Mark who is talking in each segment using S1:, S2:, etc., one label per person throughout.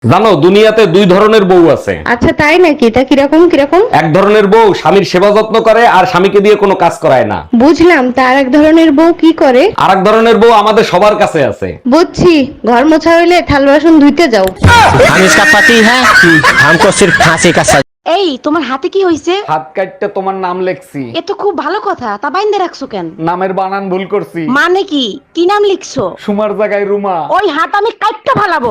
S1: জানো দুনিয়াতে দুই ধরনের বউ আছে।
S2: আচ্ছা তাই নাকি? তা কিরকম কিরকম?
S1: এক ধরনের বউ স্বামীর সেবা যত্ন করে আর স্বামীকে দিয়ে কোনো কাজ করায় না।
S2: বুঝলাম, তার এক ধরনের বউ কি করে?
S1: আর এক ধরনের বউ আমাদের সবার কাছে আছে।
S2: বুঝছি, ঘর মোছা হইলে থাল বাসন ধুইতে যাও।
S3: हम इसका पति है हमको सिर्फ फांसी का सजा।
S4: এই তোমার হাতে কি হইছে?
S1: হাত কাটতে তোমার নাম লেখছি।
S4: এ তো খুব ভালো কথা, তা বাইন্দে রাখছো কেন?
S1: নামের বানান ভুল করছি।
S4: মানে কি কি নাম লিখছো?
S1: সুমার জায়গায় রুমা।
S4: ওই হাত আমি কাটতে ফালাবো।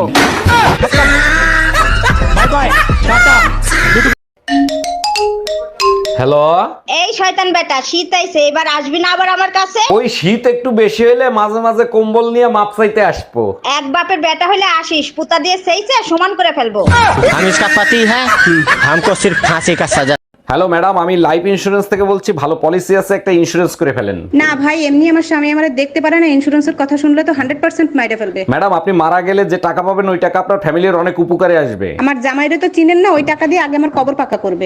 S1: হ্যালো,
S5: এই শয়তান বেটা, শীত আইছে, এবার আসবি না আবার আমার কাছে?
S1: ওই শীত একটু বেশি হইলে মাঝে মাঝে কম্বল নিয়ে মাপ চাইতে আসবো।
S5: এক বাপের বেটা হইলে আসিস, পুতা দিয়ে সেইছে সমান করে ফেলবো।
S3: हम इसका पति है हमको सिर्फ फांसी का सजा।
S1: হ্যালো ম্যাডাম, আমি লাইফ ইন্স্যুরেন্স থেকে বলছি, ভালো পলিসি আছে, একটা ইন্স্যুরেন্স করে ফেলেন।
S6: না ভাই, এমনি আমার স্বামী আমারে দেখতে পারে না, ইন্স্যুরেন্সের কথা শুনলে তো 100% মাইরে ফেলবে।
S1: ম্যাডাম, আপনি মারা গেলে যে টাকা পাবেন ওই টাকা আপনার ফ্যামিলির অনেক উপকারে আসবে।
S6: আমার জামাইরে তো চিনেন না, ওই টাকা দিয়ে আগে আমার কবর পাকা করবে।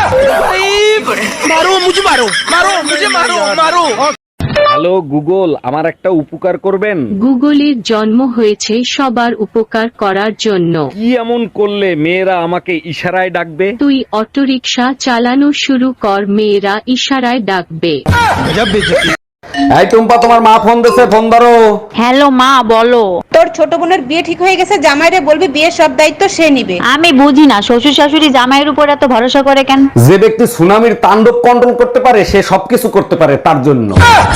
S1: হ্যালো গুগল, আমার একটা উপকার করবেন?
S7: গুগলের জন্ম হয়েছে সবার উপকার করার জন্য।
S1: কি এমন করলে মেয়েরা আমাকে ইশারায় ডাকবে?
S7: তুই অটোরিকশা চালানো শুরু কর, মেয়েরা ইশারায় ডাকবে।
S1: এই টুম্পা, তোমার মা ফোন দিছে, ফোন ধরো।
S8: হ্যালো মা, বলো।
S6: তোর ছোট বোনের বিয়ে ঠিক হয়ে গেছে, জামাইরে বলবি বিয়ের সব দায়িত্ব সে নিবে।
S8: আমি বুঝি না শ্বশুর শাশুড়ি জামাইয়ের উপর এত ভরসা করে কেন?
S1: যে ব্যক্তি সুনামির তাণ্ডব কন্ট্রোল করতে পারে সে সবকিছু করতে পারে, তার জন্য।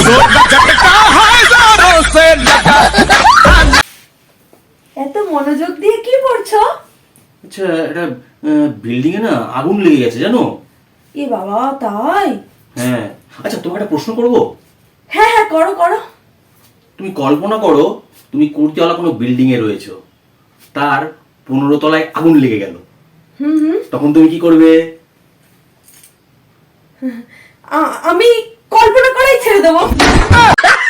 S9: এত মনোযোগ দিয়ে কি পড়ছো?
S10: আচ্ছা, একটা বিল্ডিং এ না আগুন লেগে গেছে জানো?
S9: এ বাবা, তাই?
S10: হ্যাঁ। আচ্ছা, তোমাকে একটা প্রশ্ন করব?
S9: হ্যাঁ হ্যাঁ, করো করো।
S10: তুমি কল্পনা করো তুমি কোটিওয়ালা কোনো বিল্ডিং এ রয়েছো, তার 15 তলায় আগুন লেগে গেল, তখন তুমি কি করবে?
S9: আমি কল্পনা করেই ছেড়ে দেবো।